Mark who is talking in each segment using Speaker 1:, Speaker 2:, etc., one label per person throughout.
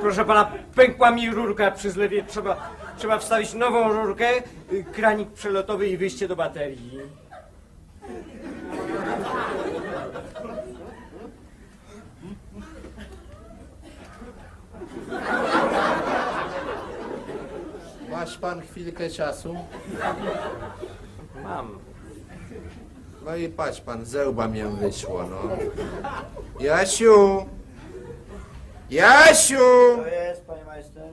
Speaker 1: Proszę pana, pękła mi rurka przy zlewie. Trzeba wstawić nową rurkę, kranik przelotowy i wyjście do baterii.
Speaker 2: Masz pan chwilkę czasu?
Speaker 1: Mam.
Speaker 2: No i patrz pan, ze łba mię wyszło, no. Jasiu! Jasiu!
Speaker 3: To jest, panie majster?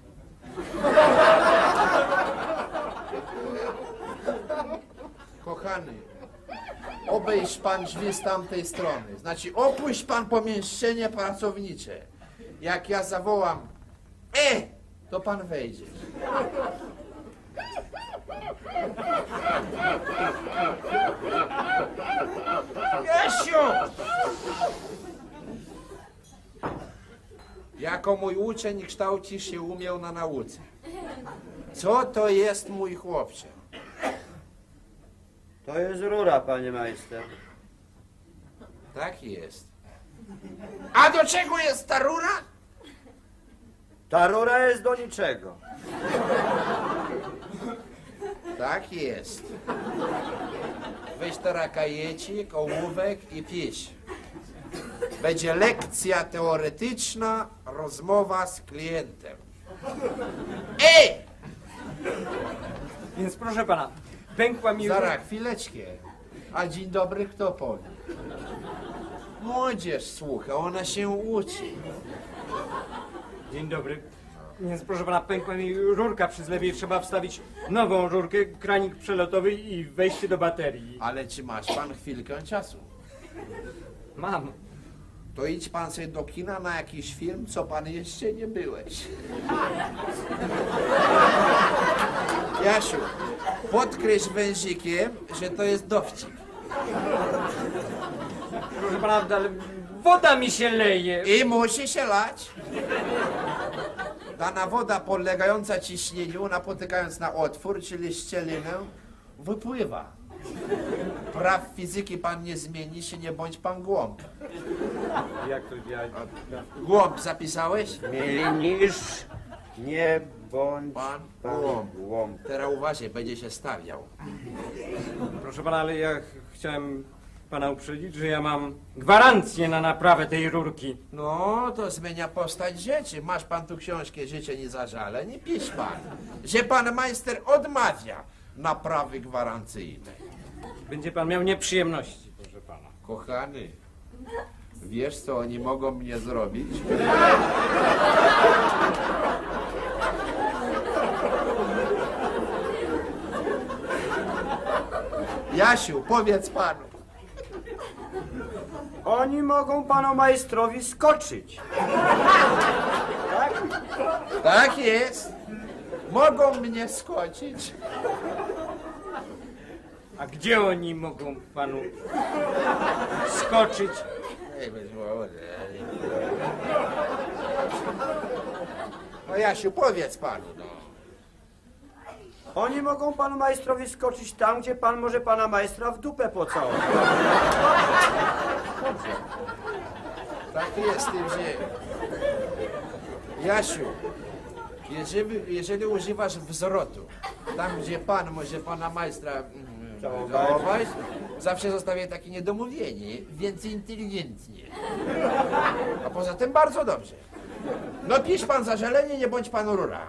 Speaker 2: Kochany, obejrz pan drzwi z tamtej strony. Znaczy, opuść pan pomieszczenie pracownicze. Jak ja zawołam, to pan wejdzie. Jasiu! Jako mój uczeń kształcisz się umiał na nauce. Co to jest, mój chłopcze?
Speaker 3: To jest rura, panie majster.
Speaker 2: Tak jest. A do czego jest ta rura?
Speaker 3: Ta rura jest do niczego.
Speaker 2: Tak jest. Weź teraz kajecik, ołówek i pisz. Będzie lekcja teoretyczna, rozmowa z klientem.
Speaker 1: Więc proszę pana, pękła mi
Speaker 2: Zaraz, chwileczkę. A dzień dobry kto powie? Młodzież słucha, ona się uczy.
Speaker 1: Dzień dobry. Więc proszę pana, pękła mi rurka przy zlewie. Trzeba wstawić nową rurkę, kranik przelotowy i wejście do baterii.
Speaker 2: Ale czy masz pan chwilkę czasu?
Speaker 1: Mam.
Speaker 2: To idź pan sobie do kina na jakiś film, co pan jeszcze nie byłeś. Jasiu, podkreśl wężykiem, że to jest dowcip.
Speaker 1: Proszę pana, ale woda mi się leje.
Speaker 2: I musi się lać. Dana woda podlegająca ciśnieniu, napotykając na otwór, czyli szczelinę, wypływa. Praw fizyki pan nie zmieni się, nie bądź pan głąb.
Speaker 1: Jak to
Speaker 2: Głąb zapisałeś?
Speaker 3: Mieli niż nie bądź
Speaker 2: Pan
Speaker 3: pan
Speaker 2: głąb.
Speaker 3: głąb.
Speaker 2: Teraz uważaj, będzie się stawiał.
Speaker 1: Proszę pana, ale ja chciałem pana uprzedzić, że ja mam gwarancję na naprawę tej rurki.
Speaker 2: No, to zmienia postać rzeczy. Masz pan tu książkę Życie nie zażale, nie pisz pan, że pan majster odmawia naprawy gwarancyjnej.
Speaker 1: Będzie pan miał nieprzyjemności, proszę pana.
Speaker 2: Kochany, wiesz co oni mogą mnie zrobić? Jasiu, powiedz panu.
Speaker 3: Oni mogą panu majstrowi skoczyć. Tak?
Speaker 2: Tak jest. Mogą mnie skoczyć.
Speaker 1: A gdzie oni mogą panu skoczyć?
Speaker 2: No Jasiu, powiedz panu, no.
Speaker 3: Oni mogą panu majstrowi skoczyć tam, gdzie pan może pana majstra w dupę pocałować.
Speaker 2: Tak jest, tym że... Jasiu, jeżeli używasz wzrotu, tam gdzie pan może pana majstra całować, zawsze zostawię takie niedomówienie, więc inteligentnie. A poza tym bardzo dobrze. No pisz pan zażalenie, nie bądź pan rura.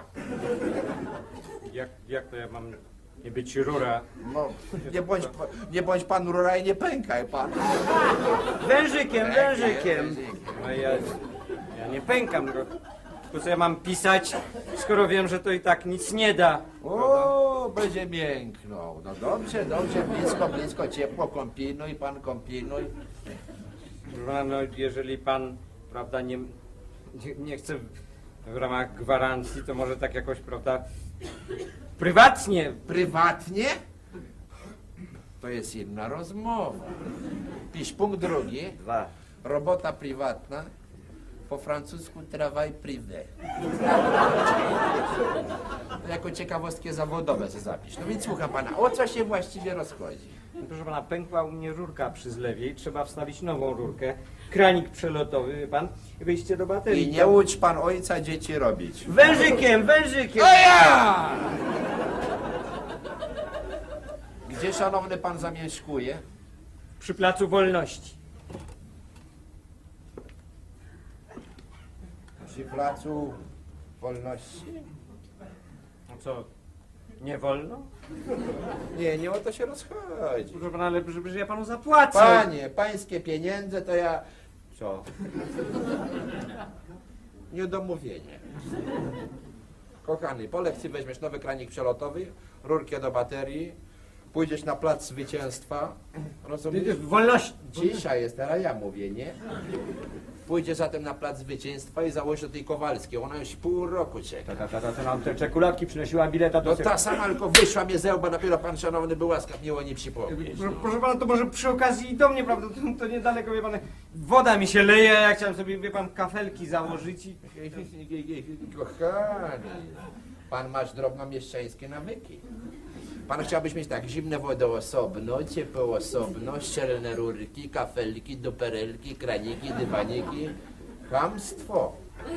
Speaker 1: Jak to ja mam nie być rura?
Speaker 2: No, nie bądź pan rura i nie pękaj pan.
Speaker 3: Wężykiem, wężykiem.
Speaker 1: No ja nie pękam, tylko co ja mam pisać, skoro wiem, że to i tak nic nie da.
Speaker 2: O, będzie mięknął. No dobrze, dobrze, blisko, ciepło, kombinuj, pan kombinuj.
Speaker 1: No, jeżeli pan, prawda, nie chce w ramach gwarancji, to może tak jakoś, prawda, prywatnie.
Speaker 2: Prywatnie? To jest inna rozmowa. Pisz punkt drugi.
Speaker 3: 2.
Speaker 2: Robota prywatna. Po francusku travail privé. To jako ciekawostkę zawodowe zapisz. No więc słucham pana, o co się właściwie rozchodzi?
Speaker 1: Proszę pana, pękła u mnie rurka przy zlewie i trzeba wstawić nową rurkę. Kranik przelotowy, wie pan, i wyjście do baterii.
Speaker 2: I nie łudź pan ojca dzieci robić.
Speaker 3: Wężykiem, wężykiem!
Speaker 2: O ja! Gdzie szanowny pan zamieszkuje?
Speaker 1: Przy Placu Wolności.
Speaker 2: Przy Placu Wolności?
Speaker 1: No co, nie wolno?
Speaker 2: Nie o to się rozchodzi.
Speaker 1: Proszę pana, ale że ja panu zapłacę.
Speaker 2: Panie, pańskie pieniądze to ja...
Speaker 3: Co?
Speaker 2: Niedomówienie. Kochany, po lekcji weźmiesz nowy kranik przelotowy, rurkę do baterii, pójdziesz na plac zwycięstwa, rozumiesz?
Speaker 1: Wolność.
Speaker 2: Cisza jest, teraz ja mówię, nie? Pójdziesz zatem na plac zwycięstwa i założysz do tej Kowalskiej, ona już pół roku czeka.
Speaker 1: Ta nam te czekoladki przynosiła bileta do...
Speaker 2: No ta sama tylko wyszła mnie ze łba, dopiero pan szanowny był łaskaw miło nie przypomnieć.
Speaker 1: Proszę pana, to może przy okazji i do mnie, prawda? To niedaleko, wie pan, woda mi się leje, ja chciałem sobie, wie pan, kafelki założyć i...
Speaker 2: Kochany, pan masz drobnomieszczańskie nawyki. Pan chciałbyś mieć tak, zimne wodę osobno, ciepło osobno, szczelne rurki, kafelki, duperelki, kraniki, dywaniki. Chamstwo.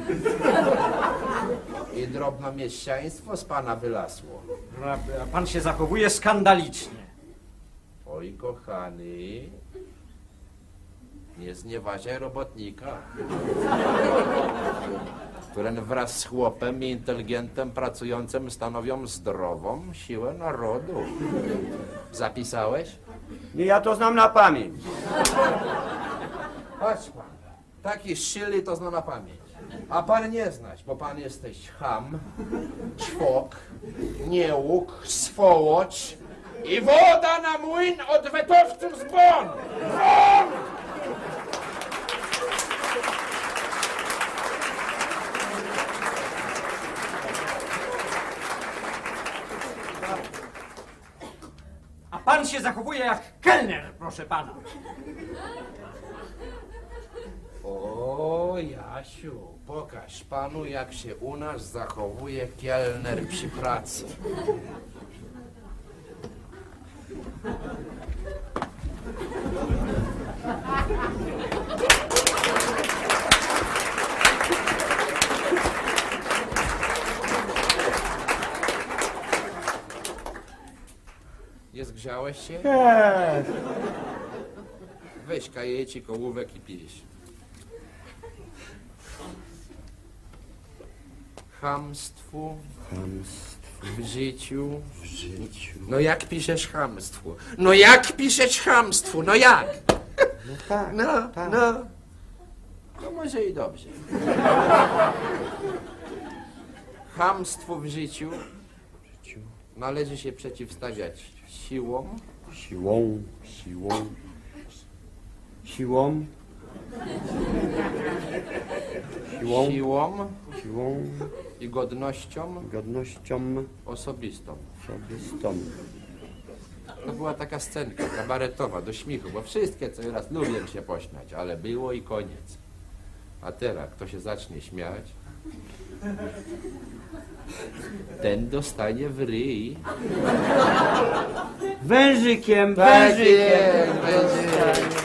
Speaker 2: I drobnomieszczaństwo z pana wylasło.
Speaker 1: A pan się zachowuje skandalicznie.
Speaker 2: Oj, kochany, nie znieważaj robotnika, który wraz z chłopem i inteligentem pracującym stanowią zdrową siłę narodu. Zapisałeś?
Speaker 3: Nie, ja to znam na pamięć.
Speaker 2: Patrz pan, taki szyli to zna na pamięć. A pan nie znasz, bo pan jesteś cham, czwok, niełuk, swołocz i woda na młyn odwetowców z bon! Bon!
Speaker 1: A pan się zachowuje jak kelner, proszę pana.
Speaker 2: O, Jasiu, pokaż panu, jak się u nas zachowuje kelner przy pracy. Nie zgrzałeś się? Weź kajecik, ołówek i pisz. Chamstwu w życiu. No jak piszesz chamstwu? No jak piszesz chamstwu? No jak? No, no. To może i dobrze. Chamstwu w życiu należy się przeciwstawiać siłą,
Speaker 3: Siłą.
Speaker 2: siłą, i godnością
Speaker 3: godnością
Speaker 2: osobistą.
Speaker 3: osobistą.
Speaker 2: To była taka scenka kabaretowa, do śmiechu, bo wszystkie co raz lubię się pośmiać, ale było i koniec. A teraz kto się zacznie śmiać, ten dostanie w ryj.
Speaker 3: Wężykiem,
Speaker 2: Tak
Speaker 3: wężykiem.
Speaker 2: jest, wężykiem.